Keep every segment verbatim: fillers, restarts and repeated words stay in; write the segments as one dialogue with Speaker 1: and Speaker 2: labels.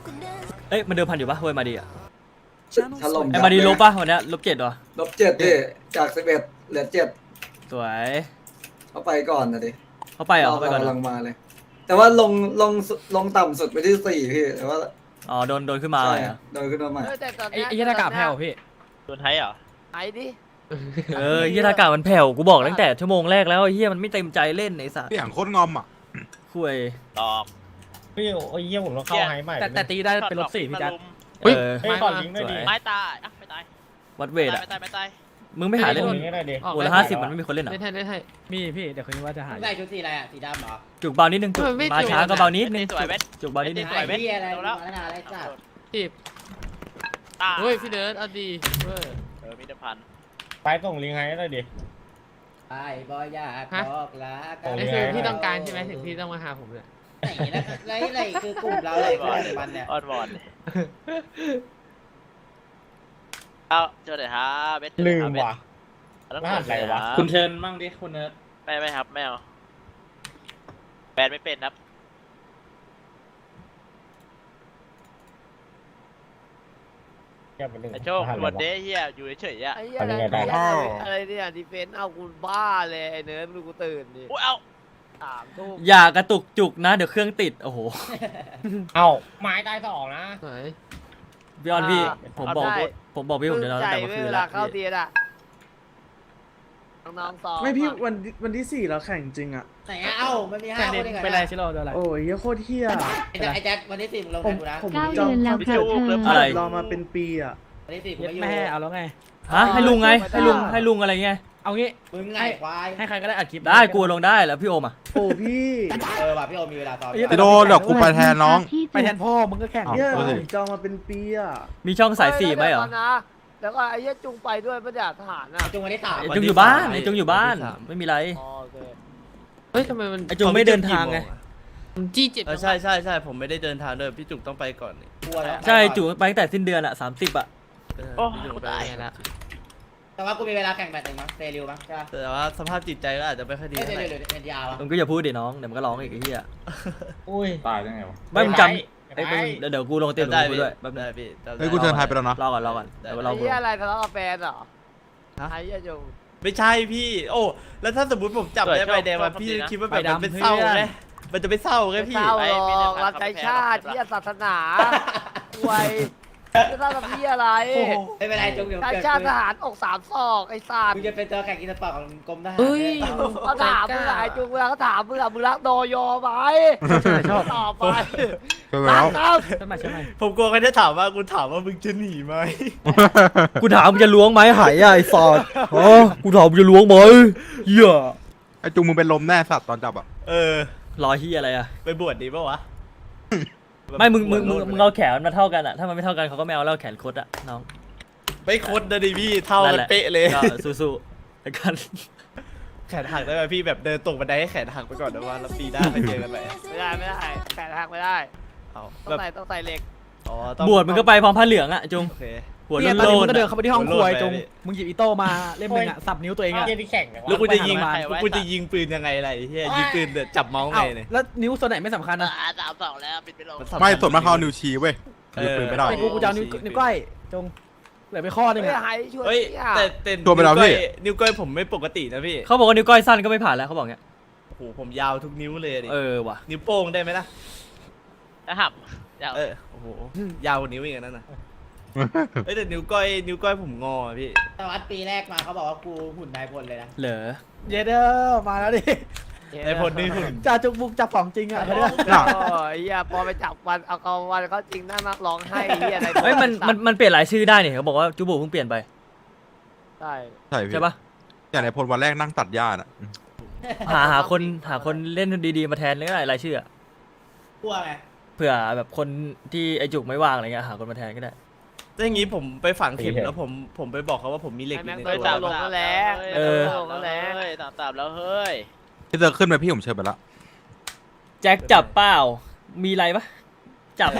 Speaker 1: เอ้ยมันเดิมพันอยู่ปะเว้ยมาดีอ่ะ
Speaker 2: ถล่ม
Speaker 1: ไอ้มาดีลบปะวันเนี้ยลบเจ็ดวะ
Speaker 2: ลบเจ็ดดิจากสิบเอ็ดเหลือเจ็ด
Speaker 1: สวย
Speaker 2: เขาไปก่อนนะดิ
Speaker 1: เขาไปเหรอเขาไปก่อน
Speaker 2: กำ
Speaker 1: เหร
Speaker 2: ลั
Speaker 1: อง
Speaker 2: มาเลย แต่ว่าลงลงลงต่ำสุดไปที่สี่พี่แต่ว่า
Speaker 1: อ๋อโดนโดนขึ้นมา
Speaker 2: ใช่
Speaker 1: เลยเหรอ
Speaker 2: โดนขึ้นมาใหม่
Speaker 3: เออแต่ตอน
Speaker 4: ไอ้
Speaker 3: เนี้ย
Speaker 4: ไอ้ยี่หน้ากากแผ่วพี่
Speaker 5: โดนไทยเหรอ
Speaker 3: ไอ้ดิ
Speaker 1: เออเฮียทากามันแผ่วกูบอกตั้งแต่ชั่วโมงแรกแล้วไอ้เฮียมันไม่เต็มใจเล่นไอ้สัส
Speaker 6: พี่อย่างโคตรงอมอ่ะ
Speaker 1: คุย
Speaker 5: ตอก
Speaker 7: พี่โอ้ยเยี่ยผมต้องเข้าไฮใหม่
Speaker 4: แต่แต่ตีได้เป็นลบสี่พี่แจ๊ค
Speaker 1: เออ
Speaker 7: เฮ้ยก่อนลิงก์ด้วยดิ
Speaker 5: ไม้ตายอ่ะไม่ตาย
Speaker 1: วัดเวทอ่ะ
Speaker 5: ไม่ตายไม่ตาย
Speaker 1: มึงไม่หาเล่น
Speaker 7: ก่อนลิงก์ให้ได้ดิ
Speaker 1: โอ้ละห้าสิบมันไม่มีคนเล่นเหรอ
Speaker 4: เล่นให้เล่นให้มีพี่เดี๋ยวคืนนี้ว่าจะหา
Speaker 8: ใส่ชุดสีอะไรอ่ะสีดำเหรอ
Speaker 1: จุกเบานิดนึงจุก
Speaker 4: เออไม่
Speaker 1: มา
Speaker 4: จุก
Speaker 1: ช้าก็เบานิดนึง
Speaker 5: สวยเว้ย
Speaker 1: จุกเบานิดนึง
Speaker 5: สวยเว้ย
Speaker 8: ไอ้เหี้ยอะไร
Speaker 5: ดูแล้ว
Speaker 8: มาแล้วอะไรจ้ะ
Speaker 4: จีบ
Speaker 5: ตาย
Speaker 4: เฮ้ยพี่เดิร์ดเอาดีเว้ย
Speaker 5: เออมีเดิมพัน
Speaker 7: ไปส่งลิงก์ให้ได้ดิ
Speaker 8: ไอ้บอยอยากบอกลากั
Speaker 7: โอ้
Speaker 8: น
Speaker 4: นี่คือพี่ต้องการใช่ไหมถึงพี่ต้องมาหาผมเนี่ย
Speaker 8: ไหนนะไรไรคือกลุ่มเราเลยคนหนึ่งวันเนี่ย
Speaker 5: ออนวอนเอาเจอเลยฮะเบส
Speaker 7: ลืมว่ะ
Speaker 5: แล้ว
Speaker 7: รหัสอะไรวะ
Speaker 5: คุณ
Speaker 7: เชิญมั่งดิคุณเนิร์ด
Speaker 5: ไม่ไม่ครับไม่เอาแบนไม่เป็นครับ
Speaker 7: แค่เป็นหนึ่ง
Speaker 5: ไอโชควันเดย์เฮียอยู่เฉยๆอ่ะ
Speaker 3: ไอ้เหี้ย
Speaker 7: ทำ
Speaker 3: อะไร
Speaker 7: ยังไงได้
Speaker 3: อะไรเนี่ยดีเฟนต์เอากูบ้าเลยไอ้เนิร์ดดูกูตื่นดิ
Speaker 5: อุ้ยเอา
Speaker 3: สามทุ่ม
Speaker 1: อย่ากระตุกจุกนะเดี๋ยวเครื่องติดโอ้โห
Speaker 7: เอ้าไม้ตายสองนะ
Speaker 4: ไหน
Speaker 1: พี่ออนพี่ผมบอกผมบอกพี่ผมจะนอน
Speaker 3: ใจ
Speaker 1: ตั้งแต่เมื่อ
Speaker 3: เว
Speaker 1: คืน
Speaker 3: ลา
Speaker 1: แล้ว
Speaker 3: เข้าเตียนอ่ะน้องๆซ้อม
Speaker 9: ไม่พี่
Speaker 3: อะ
Speaker 9: วันวันที่สี่เราแข่งจริงอ่ะ
Speaker 8: ไหนอ่ะเอ้ามันมีห้า
Speaker 4: แต่
Speaker 8: ค
Speaker 4: เด็
Speaker 8: น
Speaker 4: ก
Speaker 8: เองเหรอ
Speaker 4: เป็นไรชิโร่โดนอะไร
Speaker 9: โอ้ยเหี้ยโคตรเฮี้ย
Speaker 8: ไอ้แจ๊คไอ้แจ๊ควันที่สี่มึงลง
Speaker 9: ผม
Speaker 8: แทนกูนะ
Speaker 9: ผม
Speaker 10: เก้า
Speaker 9: จอง
Speaker 10: เดือนแล้ว
Speaker 9: ผม
Speaker 10: ค่ะเธอ
Speaker 1: อะไร
Speaker 9: รอมาเป็นปีอ่ะ
Speaker 8: วันที่สี่กู
Speaker 4: เย็ด
Speaker 8: ไม่อยู่
Speaker 4: แม่เอาแล้วไง
Speaker 1: ฮะให้ลุงไงให้ลุงให้ลุงอะไรเงี้ย
Speaker 4: เอางี้
Speaker 8: มึงไงควาย
Speaker 4: ให้ใครก็ได้อัดคลิป
Speaker 1: ได้กลัวลงได้แล้วพี่โอมอ่ะ
Speaker 9: โอ้พี่
Speaker 8: เออว่ะพี่โอมีเวลาซ้อม
Speaker 6: พี่โดเดี๋ยวกูไปแทนน้อง
Speaker 10: ที่
Speaker 4: ไปแทนพ่อมึงก็แข่ง
Speaker 6: อ้าว
Speaker 9: เนี่ย
Speaker 6: โอ้
Speaker 9: ผ
Speaker 6: ย
Speaker 9: มจองมาเป็นปีอ่ะ
Speaker 1: มีช่องสายสี่ไหมเหรอ
Speaker 3: ดี๋วก่นนะแล้วก็ไอ้เหี้ยจุงไปด้วยปะเนี่ยทหารอ่ะ
Speaker 8: จุงวันที่สาม
Speaker 1: ไอ้จงอยู่บ้านไอ้จงอยู่บ้านไม่มีไร
Speaker 3: อ๋อโอเค
Speaker 4: เฮ้ยทำไมมัน
Speaker 1: ไอ้จงไม่เดินทางไง
Speaker 4: มันจี้เจ็ด
Speaker 5: เออใช่ใช่ใช่ผมไม่ได้เดินทางด้วยพี่จุกต้องไปก่อนนี่
Speaker 8: กลัวแล้ว
Speaker 1: ใช่จุไปตั้งแต่สิ้นเดือนอ่ะสามสิบอ่ะ
Speaker 5: โอ้
Speaker 4: พี่จุกไป
Speaker 5: ตาย
Speaker 4: ไงละ
Speaker 8: แต่ว่ากูมีเวลาแข่งแบดหนึ่งมั้งเซริวมั้งใช่ปะ
Speaker 5: แต่ว่าสภาพจิตใจก็อาจจะไม่ค่อยดี
Speaker 8: เอ้ย
Speaker 5: เท่าไหร่
Speaker 8: เดี๋ยวเดี๋ยวเอ็นดีอาร์วะ
Speaker 1: มึงก็อย่าพูดดิน้องเดี๋ยวมันก็ร้องอีกไอ้เหี้ย
Speaker 7: อุ้ยตายได้ไงวะ
Speaker 1: ไม่มึงจำไอ้มึงเดี๋ยวเดี๋ยวกูลงเต็ม
Speaker 5: ได้
Speaker 1: กู
Speaker 5: พี่
Speaker 1: ด้วยแป๊บนึ
Speaker 5: ได้
Speaker 1: ง
Speaker 5: พี่จำได้
Speaker 6: เฮ้ยกูเชิญไทยไปแล้วนะ
Speaker 1: รอก่อนรอก่อนเดี๋ยวเรา
Speaker 3: ไอ้เหี้ยอะไรทะเลาะกับแฟนเหรอไอ้เหี้ยจุง
Speaker 5: ไม่ใช่พี่ โอ้แล้วถ้าสมมติผมจับได้ใบแดงมาพี่คิดว่าแบบมันเป็นเศร้าไหมมันจะไม่เศร้าไง
Speaker 3: ไม่
Speaker 5: พี่
Speaker 3: เศร้าห
Speaker 5: ไอ้
Speaker 3: ร
Speaker 5: มี
Speaker 3: อกรับใช้ชาติที่ศาสนาไวยจะเศร้ากับพี่อะไร
Speaker 8: ไม่เป็นไรจุงเดี๋ยว
Speaker 3: ชาติ
Speaker 8: เกิด
Speaker 3: ชาติทหารอกสามศอกไอ้สัต
Speaker 8: กู
Speaker 3: ว์
Speaker 8: จะเป็นตัวแข่งกินสปอร์ตของกรมทหาร
Speaker 4: เฮ้ย
Speaker 3: เขาถามมึงอะไอ้จุงเวลาเขาถามมึงอะมึงรักโดยอไหม
Speaker 4: ชอบ
Speaker 3: ตอบไป
Speaker 6: เชิญแล้ว
Speaker 3: ครับ
Speaker 4: ใช่ไหมใช่ไหม
Speaker 5: ผมกลัวเขาจะถามว่ากูถามว่ามึงจะหนีไหม
Speaker 1: กูถามมึงจะล้วงไหมหายอ่ะไอ้สอดอ๋อกูถามมึงจะล้วงไหมเหี้ย
Speaker 6: ไอ้จุงมึงเป็นลมแน่สัตว์ตอนจับอ่ะ
Speaker 5: เออ
Speaker 1: รอเหี้ยอะไรอ่ะ
Speaker 5: ไปบวชดีป่าวะ
Speaker 1: ไม่มึงมึงมึงมึงเอาแขนมาเท่ากันอ่ะถ้ามันไม่เท่ากันเขาก็ไม่เอาแล้วแขนคดอ่ะน้อง
Speaker 5: ไม่คดนะดิพี่เท่า
Speaker 1: นั่
Speaker 5: กัน น
Speaker 1: แหละ
Speaker 5: เป๊ะเลย
Speaker 1: ก็สู้ๆแล้วกัน
Speaker 5: แขนหักได้ไหมพี่แบบเดินตกบันไดให้แขนหักไปก่อนนะว่าแล้วปีหน้าไปเจอกันใหม่
Speaker 3: ไม่ได้ไม่ได้แปดหักไม่ได้
Speaker 5: เอา
Speaker 3: ต้อ
Speaker 5: แบ
Speaker 3: ง
Speaker 5: บ
Speaker 3: ใส่ต้องใส่เหล็ก
Speaker 5: อ๋อต้อง
Speaker 1: บวชมึงก็ไปพร้อมผ้าเหลืองอ่ะจุง
Speaker 5: โอเค
Speaker 1: หัว
Speaker 4: เนี่ยตอน
Speaker 1: โล
Speaker 4: นี้มึ
Speaker 1: น
Speaker 4: งก็เดิน
Speaker 1: ๆ
Speaker 4: เข้าไปที่ห้องครัวไอ้จง
Speaker 5: โลดไป
Speaker 4: มึงหยิบอีโต้มาเล่มหนึงอ่ะสับนิ้วตัวเองอ่ะ
Speaker 7: เยี่ยที่แข่งเนี่ยวะ
Speaker 5: แล้วกูจะยิง
Speaker 4: ไปหา
Speaker 5: แล้วกูจะยิงปืนยังไงอะไรเฮียยิงปืนเดี๋ยวจับเมาส์ไง
Speaker 4: เอ้า
Speaker 5: เนี่ย
Speaker 4: แล้วนิ้วส่วนไหนไม่สำคัญนะ
Speaker 3: สามสองแล้วปิดไปลง
Speaker 5: สำคัญ
Speaker 6: ไม่ส่วนมากเขาเอานิ้วชี้เว้ย
Speaker 5: เอ
Speaker 6: นิ้ว
Speaker 5: อ
Speaker 6: ปืนไม่ได้
Speaker 4: ไอ้กูกูจะเอานิ้วนิ้วก้อยจงเหลือไปข้อหนึง
Speaker 3: ไม่
Speaker 4: อ่ะ
Speaker 3: หายช่วย
Speaker 5: เฮ้ย
Speaker 3: เนี่ย
Speaker 5: แต่แต่
Speaker 6: ตัวไปแล้วพี่
Speaker 5: นิ้วก้อยผมไม่ปกตินะพี่
Speaker 1: เขาบอกว่านิ้วก้อยสั้นก็ไม่ผ่านแล้วเขาบอกเงี้ย
Speaker 5: โอ้โหผมยาวทุกนิ้วเลยดิ
Speaker 1: เออว่ะ
Speaker 5: นิ้วโป้งได้ไหมล่ะ
Speaker 3: จะหับยาว
Speaker 5: เออโอ้โหยาวกว่านิ้วอีกอันนั่นน่ะเอ้ยแต่นิ้วก้อยนิ้วก้อยผมงออะพี่
Speaker 8: แต่วัดปีแรกมาเขาบอกว่ากูหุ่นนายพลเลยนะ
Speaker 1: เหรอ
Speaker 4: เยเดอร์มาแล้วดิ
Speaker 5: ไอ้ผลนี่หุ่น
Speaker 4: จ่าจุกบุกจับของจริงอ่ะเขาเรียก
Speaker 6: น่ะ
Speaker 3: โอ้ยเหี้ยพอไปจับวันเอาเอาวันเขาจริงน่ารักร้องไห้เหี้ยอะไร
Speaker 1: เฮ้ยมันมันมันเปลี่ยนหลายชื่อได้เนี่ยเขาบอกว่าจูบูเพิ่งเปลี่ยนไป
Speaker 3: ใช่
Speaker 6: ใช่พี่
Speaker 1: ใช่ปะ
Speaker 6: อย่างในพลวันแรกนั่งตัดหญ้าน่ะ
Speaker 1: หาหาคนหาคนเล่นดีๆมาแทนก็ได้รายชื่ออะ
Speaker 8: กลัวไง
Speaker 1: เผื่อแบบคนที่ไอจุกไม่ว่างอะไรเงี้ยหาคนมาแทนก็ได้
Speaker 5: ถ้าอย่างงี้ผมไปฝังเข็มแล้วผมผมไปบอกเขาว่าผมมีเหล็ก
Speaker 3: ไอ้
Speaker 5: อยู่
Speaker 3: แม่ง
Speaker 5: ใน
Speaker 3: เคย
Speaker 5: ตัว
Speaker 3: จับลงก็แล้ว
Speaker 1: เออ
Speaker 3: ลงก็แล้ว
Speaker 5: เฮ้ยตามตามแล้วเฮ้ย
Speaker 6: พี่เจอขึ้นไปพี่ผมเชิญไปละ
Speaker 1: แจ็คจับเปล่ามีอะไรปะจับ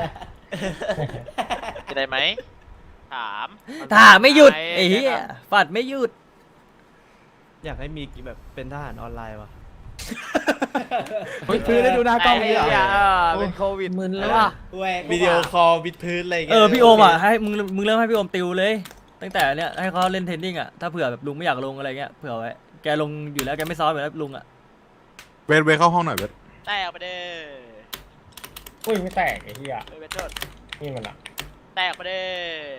Speaker 5: จะได้ไหมถาม
Speaker 1: ถามไม่หยุดไอ้เหี้ยฟัดไม่หยุด
Speaker 5: อยากให้มีแบบเป็นทหารออนไลน์วะ
Speaker 4: คือได้ดูหน้ากล้อง
Speaker 3: ไอ้
Speaker 4: นี้เหรอ
Speaker 3: เหี้ยเออเป็นโควิด
Speaker 4: มึนเลย
Speaker 3: ใช่ปะ
Speaker 8: เว้ย
Speaker 5: วิดีโอคอลวิดพื้นอะไรอย่าง
Speaker 1: เอ
Speaker 5: เงี้ย
Speaker 1: อพี่โอมอ่ะให้มึงมึงเริ่มให้พี่โอมติวเลย ตั้งแต่เนี้ยให้เขาเล่นเทนนิ่งอ่ะถ้าเผื่อแบบลุงไม่อยากลงอะไรเงี้ยเผื่อไว้แกลงอยู่แล้วแกไม่ซ้อมอยู่แล้วลุงอ่ะ
Speaker 6: เวทเวทเข้าห้องหน่อยเวท
Speaker 3: แตกไปเด้อ
Speaker 7: อุ้ยไม่แตกไอ้เหี้ย
Speaker 3: เออเป็นโทษ
Speaker 7: นี่มันอะ
Speaker 3: แตกไปเด้อ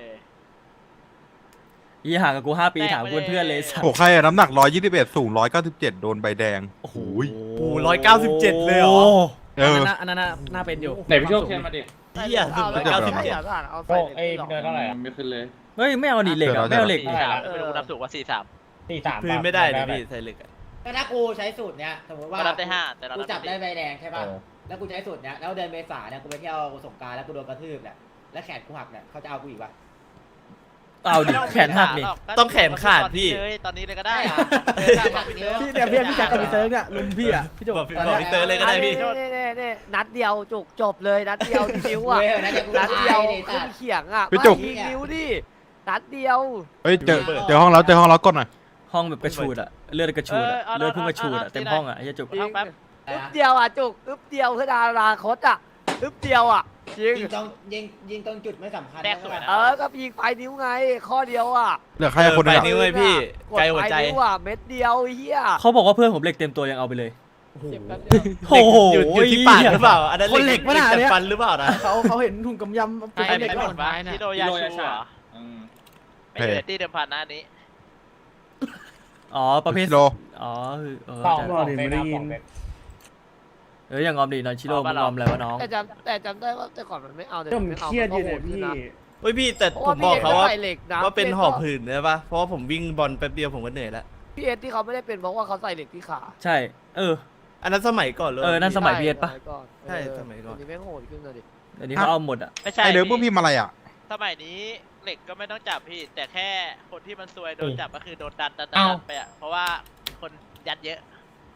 Speaker 1: ยี่ห่างกับกูห้าปีถามกูเป็นเพื่อนเลยสัต
Speaker 6: โอ้
Speaker 1: ว์
Speaker 6: ใครอะน้ำหนักร้อยยี่สิบเอ็ดสูงร้อยเก้าสิบเจ็ดโดนใบแดง
Speaker 1: โอ้โห
Speaker 5: โอ้ร้อยเก้าสิบเจ็ดเลยเหรอ
Speaker 6: เอ
Speaker 4: อัน
Speaker 6: อ
Speaker 4: นั้นน่ะอันนั้นน่ะน่าเป็นอยู่
Speaker 7: ไหนพี่โชคเชิญมาดิ
Speaker 5: เหี้ยสุด
Speaker 3: เอา
Speaker 5: ร้อย
Speaker 3: แล้
Speaker 5: เก้าว สิบเจ็ด
Speaker 3: เอา
Speaker 7: โช
Speaker 3: ใส่
Speaker 7: คเอ้ยพี่เนิร์ดเท่าไหร่อะไม่ขึ้นเลย
Speaker 1: เฮ้ยไม่เอาดิเหล็กอ่ะไม่เอาเหล็กดิ
Speaker 7: เท่าไหร่ละ
Speaker 3: ไม่รู้นับถูกว่าสี่สาม
Speaker 7: สี่สาม
Speaker 5: พื้นไม่ได้เลยพี่ใส่เหล็กอะ
Speaker 8: ก็ถ้ากูใช้สูตรเนี้ยสมมติว่า
Speaker 3: ก็นับได้ห้าแต่เรา
Speaker 8: กู
Speaker 3: นับ
Speaker 8: จับได้
Speaker 3: ได้
Speaker 8: ใบแดงใช่ป่ะแล้วกูใช้สูตรเนี้ยแล้วเดือนเมษาเนี่ยกูไปเที่ยวสงกรานต์แล้วกูโดนกระทืบเนี่ยแล้วแขนกูหักเนี่ยเขาจะเอากูอีกปะ
Speaker 1: เอาดิแขนหักดิ
Speaker 5: ต้องแขนขาดพี่
Speaker 3: ตอนนี้เลยก็ได้
Speaker 8: ได้เหรอ
Speaker 4: พี่เนี่ยพี่พี่แจ็คกับพี่เซิร์ฟเนี่ยลุมพี่อ่ะพี่โจ
Speaker 5: บอกพี่บอกพี่เตอร์เลยก็ได้พี่
Speaker 3: นี่นี่นี่นัดเดียวจุกจบเลยนัดเดียวที่นิ้วอ่ะ
Speaker 8: เว้ยนะเดี๋ยวกู
Speaker 3: นัด
Speaker 8: ตา
Speaker 3: เดียวย
Speaker 8: ดิ
Speaker 3: ขึ้นเขียงอ่ะ
Speaker 6: พี่จุก
Speaker 3: ไม่ยิงนิ้วดินัดเดียว
Speaker 6: เฮ้ยเจอเจอห้องแล้วเจอห้องแล้วกดหน่อย
Speaker 1: ห้องแบบกระชูดอ่ะเลือดกระชูดอ่ะเลือดพุ่งกระชูดอ่ะเต็มห้องอ่ะไอ้เหี้ยจุก
Speaker 3: จริงอึ๊บเดียวอ่ะจุกอึ๊บเดียวคือดาราคตอ่ะอึ๊บเดียวอ่ะจริง
Speaker 8: ยิงตรงยิงยิงตรงจุดไม่สำคัญ
Speaker 3: แดกสวยนะเออก็ยิงปลายนิ้วไงข้อเดียวอ่ะ
Speaker 6: เหลือใครคน
Speaker 5: ไป
Speaker 6: เดียว
Speaker 5: นิ้วเลยพี่
Speaker 3: กด
Speaker 5: ไกลหัวใจ
Speaker 3: ปลายนิ้วอ่ะเม็ดเดียวไอ้เฮีย
Speaker 1: เขาบอกว่าเพื่อนผมเหล็กเต็มตัวยังเอาไปเลย
Speaker 3: เจ็บแป๊บเดียว
Speaker 1: โอ้โห
Speaker 5: อยู่อยู่ที่ปากหรือเปล่า อันนั้น
Speaker 4: คนเหล็กปะน่ะ
Speaker 5: แต่
Speaker 4: เนี่ย
Speaker 5: ฟันหรือเปล่านะ
Speaker 4: เขาเขาเห็นถุงกำยำ
Speaker 3: ไอ้
Speaker 4: เหล็ก
Speaker 3: ไม่
Speaker 4: ก่
Speaker 3: ห
Speaker 4: อ
Speaker 3: ม
Speaker 4: น
Speaker 3: ดวะฮิโรยาชูเหรอ
Speaker 7: อืม
Speaker 3: ไม่อยู่ในที่เดิมพันหน้านี้
Speaker 1: อ๋อประเภท
Speaker 6: ชิโร่
Speaker 1: อ๋อคือเออ
Speaker 7: สอง
Speaker 1: ใช่
Speaker 7: สองเซตนะสองเซต
Speaker 1: เอ้ยอย่างงอมดินอนชิโร่มึงงอมอะไรวะน้อง
Speaker 3: แต่จำแต่จำได้ว่าแต่ก่อนมันไม่เอาแต่
Speaker 9: ผม
Speaker 3: ไม่เอา
Speaker 9: เครียดอยู่เนี่ย
Speaker 3: มั
Speaker 9: พี่
Speaker 3: ก็โหดขึ้นนะ
Speaker 5: เฮ้ยพี่แต่
Speaker 3: เพราะ
Speaker 5: ผ
Speaker 3: ว่าม
Speaker 5: บอกเขาว่า
Speaker 3: พี่เอ็ดก็ใส่เหล็กนะ
Speaker 5: ว่าเป็น
Speaker 3: พี่เอ็ด
Speaker 5: หอบ
Speaker 3: ก็
Speaker 5: หืนใช่ปะเพราะว่าผมวิ่งบอลแป๊บเดียวผมก็เหนื่อยแล้ว
Speaker 3: พี่เอ็ดที่เขาไม่ได้เป็นเพราะว่าเขาใส่เหล็กที่ขา
Speaker 1: ใช่ เออ
Speaker 5: อันนั้นสมัยก่อนเลย
Speaker 1: เออนั่น สมัยพี่เอ็ดปะ
Speaker 3: สมัยก่อน
Speaker 5: ใช่สมัยก่อน
Speaker 3: เดี๋วนี้แม่งโหดขึ้นเลยดิ
Speaker 1: อันนี้เขาเอาหมดอ่ะ
Speaker 3: ไม่ใช่
Speaker 6: ไอเดิมพวกพี่มาอะไรอ่ะ
Speaker 3: สมัยนี้เหล็กก็ไม่ต้องจับพี่ แต่แค่คนที่มันซวยโดนจับก็คือโดนดันดันดั
Speaker 7: เอ้า
Speaker 3: นไปอ่ะเพราะว่าคนยัดเยอะ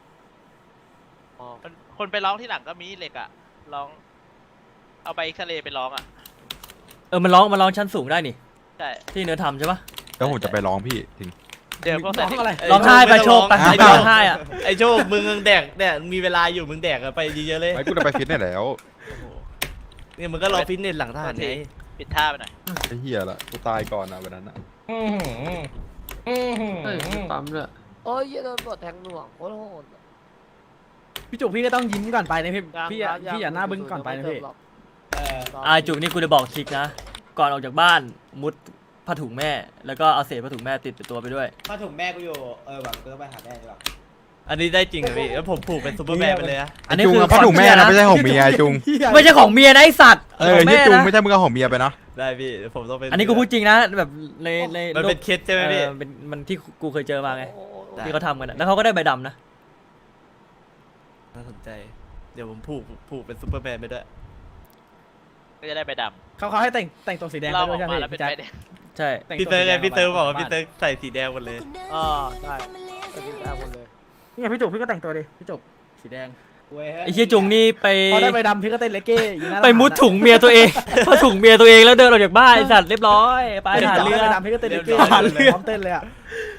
Speaker 3: คนคนไปร้องที่หลังก็มีเหล็กอ่ะร้อง เอาไปเอ็กซเรย์ไปร้องอ่ะ
Speaker 1: เออมันร้องมันร้องชั้นสูงได้นี่
Speaker 3: ใช่
Speaker 1: ที่เนื้อทำใช่ปะ
Speaker 6: แล้วผมจะไปร้องพี่จริง
Speaker 3: เดี๋ยวพวก
Speaker 4: ร้
Speaker 3: ใส่
Speaker 4: องอะไร
Speaker 1: ร้องไห้ไปโชคไป
Speaker 5: ไอ้
Speaker 1: ร้
Speaker 5: โช
Speaker 1: อง
Speaker 5: ค
Speaker 1: ไห้อ่ะ
Speaker 5: ไอ้โชคมึงแดกแดกมีเวลาอยู่มึงแดกกันไปเยอะๆเลย
Speaker 6: ไอ้กูจะไปฟิตเนสแล้ว
Speaker 5: เนี่ยมึงก็รอฟิตเนสหลังทหารไง
Speaker 3: ปิดท่าไปหน่อย
Speaker 6: ไอ้เหี้ยละกูตายก่อนนะวันนั้นอะ
Speaker 7: อืมอืมอืมอืม
Speaker 1: ปั๊มเลย
Speaker 3: โอ้ยเหี้ยโดนบดแทงหน่วงโคตรโหด
Speaker 4: พี่จุกพี่ก็ต้องยิ้มก่อนไปนะพี่
Speaker 3: ยัง
Speaker 4: พี่อย่า
Speaker 3: ยัง
Speaker 4: พี่อย่าหน้าบึ้งก่อนไปนะพี่
Speaker 8: เออ
Speaker 1: อาจุกนี่กูจะบอกทริกนะ ก่อนออกจากบ้านมุดผ้าถุงแม่ แล้วก็เอาเศษผ้าถุงแม่ติดตัวไปด้วย
Speaker 8: ผ้าถุงแม่กูอยู่เออแบบกูต้องไปหาแม่ดีกว่า
Speaker 5: อันนี้ได้จริงเหรอพี่แล้วผมผูกเป็นซูเปอร์แมนไปเลยนะ
Speaker 1: อันนี้
Speaker 6: จุง
Speaker 1: คือ
Speaker 6: อะพ่อถุงแม่นะไม่ใช่ของเมียไอ้จุง
Speaker 1: ไม่ใช่ของเมียนะไอสัตว์
Speaker 6: เออ
Speaker 1: ของ
Speaker 6: ที่
Speaker 1: แม่
Speaker 6: จุง
Speaker 1: นะ
Speaker 6: ไม่ใช่มึงเอาของเมียไปนะ
Speaker 5: ได้พี่เดี๋ยวผมต้องเป็น
Speaker 1: อันนี้กูพูดจริงนะแบบในใน
Speaker 5: มันเป็นเคสใช่ไหมพี่
Speaker 1: เออเป็นมันที่กูเคยเจอมาไง
Speaker 3: โอ้โห
Speaker 5: ได้
Speaker 1: ที่เขาทำกันอะแล้วเขาก็ได้ใบดำนะ
Speaker 5: น่าสนใจ เดี๋ยวผมผูกผูกเป็นซูเปอร์แมนไปด้วย
Speaker 3: ก็จะได้ไปด
Speaker 4: เขาเขาให้แต่งแต่งตัวสีแดง
Speaker 3: ำ
Speaker 4: ไป
Speaker 3: เราอ
Speaker 4: ด้ว
Speaker 3: อย ก
Speaker 4: ใช่ไหม
Speaker 3: มาแล้ว
Speaker 4: พี่
Speaker 3: เป็น
Speaker 4: แจ็ค
Speaker 3: ไปแดง
Speaker 1: ใช่
Speaker 4: แต่ง
Speaker 5: พี่
Speaker 4: ว
Speaker 5: เตอร์ไง
Speaker 4: สีแด
Speaker 5: พี่เตอร์บอกว่า
Speaker 4: ไป
Speaker 5: พี่เตอร์ใส่สีแดงหมดเลย
Speaker 3: อ๋อได้ใส่สีแดงหมดเลย
Speaker 4: นี่ไงพี่จุกพี่ก็แต่งตัวดิพี่จุกสีแดง
Speaker 8: เว้ย
Speaker 1: ไอ้เชี่ยจุงนี่ไป
Speaker 4: พอได้ใบดำพี่ก็เต้นเลกเก้อยู่หน้า
Speaker 1: ไปมุดถุงเมียตัวเอง ผ้าถุงเมียตัวเองแล้วเดินออกจากบ้านไอสัตว์เรียบร้อยไป
Speaker 4: ไป
Speaker 1: หา
Speaker 4: หา
Speaker 1: เรื
Speaker 4: เรือ
Speaker 1: อ
Speaker 4: ใบดำพี่ก็เต้นเลกเก้
Speaker 5: หาเรือ
Speaker 4: พร้อมเต้นเลยอ่ะ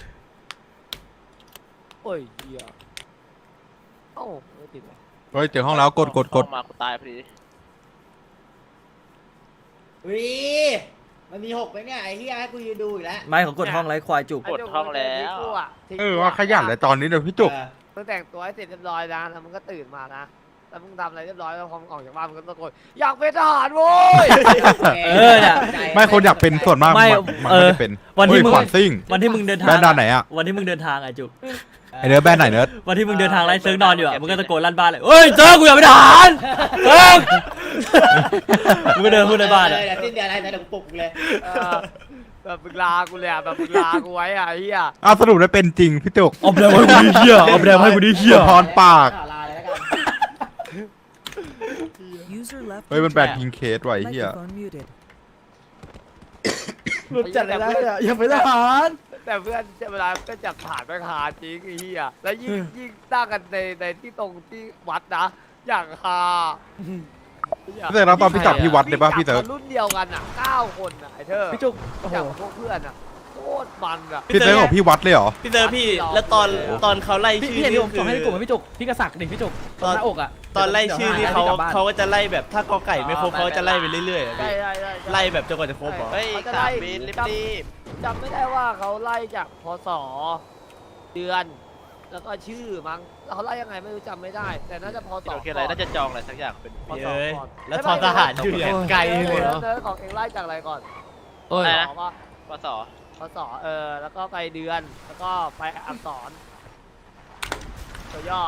Speaker 3: โอ้ยเหี้ยเอ้าไม่ติดเลย
Speaker 6: เฮ้ยเจอห้องแล้วกดกดกด
Speaker 3: เข้ามากูตายพอดี
Speaker 8: วิมันมีหกไหมเนี่ยไอ้เหี้ยให้กูยืนดูอีกแล้ว
Speaker 1: ไม่เขากดห้องไร้ควายจุก
Speaker 3: กดห้องแล้ว
Speaker 6: เออว่าขยันเลยตอนนี้เดี๋ยวพี่จุก
Speaker 8: เออ
Speaker 3: มึงแต่งตัวให้เสร็จเรียบร้อยนะแล้วมึงก็ตื่นมานะแล้วมึงทำอะไรเรียบร้อยแล้วพอมึงออกจากบ้านมึงก็ตะโกนอยากเป็นทหารโว้ย
Speaker 1: เออเนี่ย
Speaker 6: ไม่คนอยากเป็นส่วนมาก
Speaker 1: ไม่
Speaker 6: มันมัน
Speaker 1: เอ
Speaker 6: ไม่
Speaker 1: อ
Speaker 6: ได้เป็น
Speaker 1: วันที่
Speaker 6: เฮ้ย
Speaker 1: มึง
Speaker 6: ขวัญซิ่ง
Speaker 1: วันที่มึงเดินทาง
Speaker 6: แบรนด์ด้านไหนอะ
Speaker 1: วันที่มึงเดินทางไอ้จุก
Speaker 6: ไอเนื้อแบรนด์ไหนเนื้อ
Speaker 1: วันที่มึงเดินทางไล่เซิร์ฟนอนอยู่อ่ะมึงก็ตะโกนลั่นบ้านเลยเฮ้ยเซิร์ฟกูอยากเป็นทหารเซิร์ฟมึงก็เดินพูดในบ้าน
Speaker 8: เล
Speaker 1: อ่ะ
Speaker 8: ยเดี๋ยวสิ้นเดือนอะไรนะเดี๋ยวกูปลุกมึงเลย
Speaker 3: เออแบบมึงลากูเลยอ่ะแบบมึงลากูไว้อ่ะไอ้เหี้ย
Speaker 6: อ้าวสรุปได้เป็นจริงพี่จุก
Speaker 1: เอาแบรนด์ให้กูดิเหี้ยเอาแบรนด์ให้กูดิเหี้ย
Speaker 6: พรปาก
Speaker 8: ขอลาเลยแล้วกัน
Speaker 6: เฮ้ยมันแบรนด์พิงเคสไว้เฮีย
Speaker 4: หลุดจัดเลยนะเนี่ยอย่าเป็นทหาร
Speaker 3: แต่เพื่อนเวลาก็จับผ่านไปหาจริงไอ้เหี้ยแล้วยิ่งยิ่งตั้งกันในในที่ตรงที่วัดนะอย่างฮา
Speaker 6: พี่เตอร์รับตอนพี่จับพี่วัดเลยป่ะพี่เตอร์
Speaker 3: จับกันรุ่นเดียวกันอ่ะเก้าคนอ่ะไอ้เธอ
Speaker 4: พี่จุกโอ้โห
Speaker 3: จับกับพวกเพื่อนอ่ะโคโคตรมันอะ
Speaker 6: พี่เซิร์ฟของพี่วัดเลยเหรอ
Speaker 5: พี่เจอพี่แล้วตอนตอนเขาไล่
Speaker 4: พี่
Speaker 5: ชื่อ
Speaker 4: พี่เห็นที่ผม
Speaker 5: คื
Speaker 4: ส่งให้ในกลุ่มไหมพี่จุกพี่กระสักดิพี่จุกตรงหน้าอกอ่ะ
Speaker 5: ตอนไล่ชื่อนี่เขา
Speaker 4: ดี๋ยวห
Speaker 5: เขาก็จะไล่แบบถ้ากอไก่ไม่ครบเขาจะไล่ไปเรื่อยๆอะ
Speaker 3: ใช่
Speaker 5: พี่
Speaker 3: ใช่ใช่ใช่
Speaker 5: ไล่แบบจนกว่าจะครบเหรอ
Speaker 3: เฮ้ยสามบินรีบจำไม่ได้ว่าเขาไล่จากพศเดือน แล้วก็ชื่อมั้งแล้วเขาไล่ยังไงไม่รู้จำไม่ได้ แต่น่าจะพศ
Speaker 7: โอเคอะไรน่าจะจองอะไรสักอย่างเป็น
Speaker 3: พศ
Speaker 5: เย้ย
Speaker 3: ก่อน
Speaker 5: แล้วทอทหารอยู่อย่างไกลเลยเหรอ
Speaker 3: เนิร์ดของเองไล่จากอะไรก่อน
Speaker 1: โอ้ย
Speaker 3: พศป่ะ
Speaker 7: ปศ
Speaker 3: พศเออแล้วก็ไปเดือนแล้วก็ไปอักษรตัวย่อ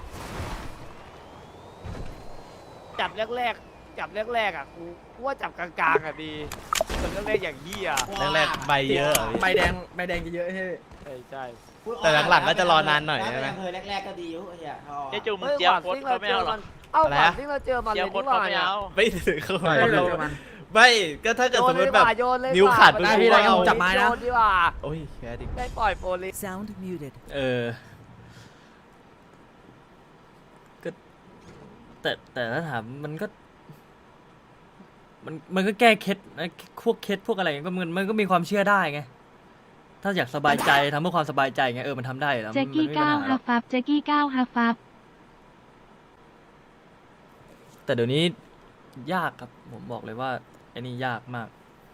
Speaker 3: จับแรกๆจับแรกๆอ่ะกูกูว่าจับกลางๆอ่ะดีจับแรกๆอย่างเหี้ย
Speaker 5: แรกๆใบเยอะอะพี่
Speaker 4: ใบแดงใบแดงจะเยอะใช่ไหม
Speaker 3: ใช่ใช่
Speaker 5: แต่หลังๆก็จะรอนานหน่อยใช่ไหม
Speaker 8: เคยแรกๆก็ดีอยู่ไอ้เหี้ยเอาออก
Speaker 7: เจ๊จูมึง
Speaker 3: เฮ้ย
Speaker 7: เจียว
Speaker 3: หวาน
Speaker 7: โค้ด
Speaker 3: ที่
Speaker 7: เขา
Speaker 3: เรา
Speaker 7: ไม่
Speaker 3: เจอ
Speaker 7: เอาหรอ
Speaker 3: มันเอ้า
Speaker 5: อะไร
Speaker 3: หวาน
Speaker 5: นะ
Speaker 3: ที่เราเจอมัน
Speaker 7: เจี
Speaker 3: เลย
Speaker 7: ยวโค้
Speaker 3: นี่
Speaker 7: ด
Speaker 3: ห
Speaker 7: เขา
Speaker 3: ว่า
Speaker 7: ไม่
Speaker 3: เนี่ย
Speaker 7: เอา
Speaker 5: ไม่ถึงเขา
Speaker 6: ใช่
Speaker 4: ไม่เราเจอมัน
Speaker 5: ไม่ก็ถ้าเกิด
Speaker 3: โย
Speaker 5: ส
Speaker 3: น
Speaker 5: ม
Speaker 3: เล
Speaker 5: ม
Speaker 3: ย
Speaker 5: ติแบบ
Speaker 3: ว่ะโยนเลย
Speaker 5: นิ้ว
Speaker 3: ว่ะ
Speaker 5: ขาด
Speaker 3: มัน
Speaker 5: ไป
Speaker 4: ได้พี่
Speaker 3: โย
Speaker 4: ได้
Speaker 3: น
Speaker 4: ผมจับไม้นะ
Speaker 3: โยดีกว่า
Speaker 5: โอ้ยแค่ดิ
Speaker 3: ได้ปล่อยโปลิส
Speaker 10: Sound muted.
Speaker 1: เออก็แต่แต่ถ้าถามมันก็ มันมันก็แก้เคล็ดนะพวกเคล็ดพวกอะไรก็มันมันก็มีความเชื่อได้ไง ถ้าอยากสบายใจทำเพื่อความสบายใจไงเออมันทำได้อยู่แล้ว
Speaker 10: แจ็
Speaker 1: มัน
Speaker 10: กกี้
Speaker 1: ไม่มีปัญ
Speaker 10: เก้า
Speaker 1: หาหร
Speaker 10: ฮั
Speaker 1: อก
Speaker 10: ฟฟับแจ็กกี้เก้าฮัฟฟับ
Speaker 1: แต่เดี๋ยวนี้ยากครับผมบอกเลยว่าไอ้นี่ยากมาก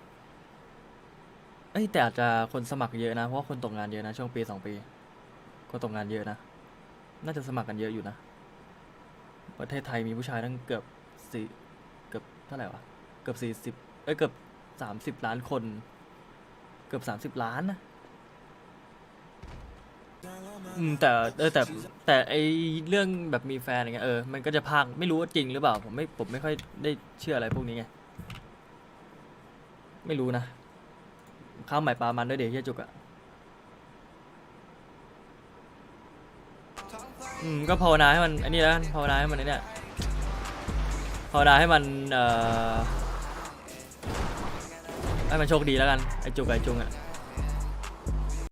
Speaker 1: เอ้ยแต่อาจจะคนสมัครเยอะนะเพราะว่าคนตกงานเยอะนะช่วงปีสองปีคนตกงานเยอะนะน่าจะสมัครกันเยอะอยู่นะประเทศไทยมีผู้ชายตั้งเกือบสี่เกือบเท่าไหร่วะเกือบสี่สิบเอ้ยเกือบสามสิบล้านคน เกือบสามสิบล้านนะอืมแต่เออแต่แต่ไอเรื่องแบบมีแฟนอะไรเงี้ยเออมันก็จะพากไม่รู้ว่าจริงหรือเปล่าผมไม่ผมไม่ค่อยได้เชื่ออะไรพวกนี้ไงไม่รู้นะข้าวใหม่ปลามันด้วยเดี๋ยวเฮียจุกอะอืมก็ภาวนาให้มันอันนี้แล้วกันภาวนาให้มันไอ้เนี่ยภาวนาให้มันเอ่อให้มันโชคดีแล้วกันไอจุกกับไอจุงอะ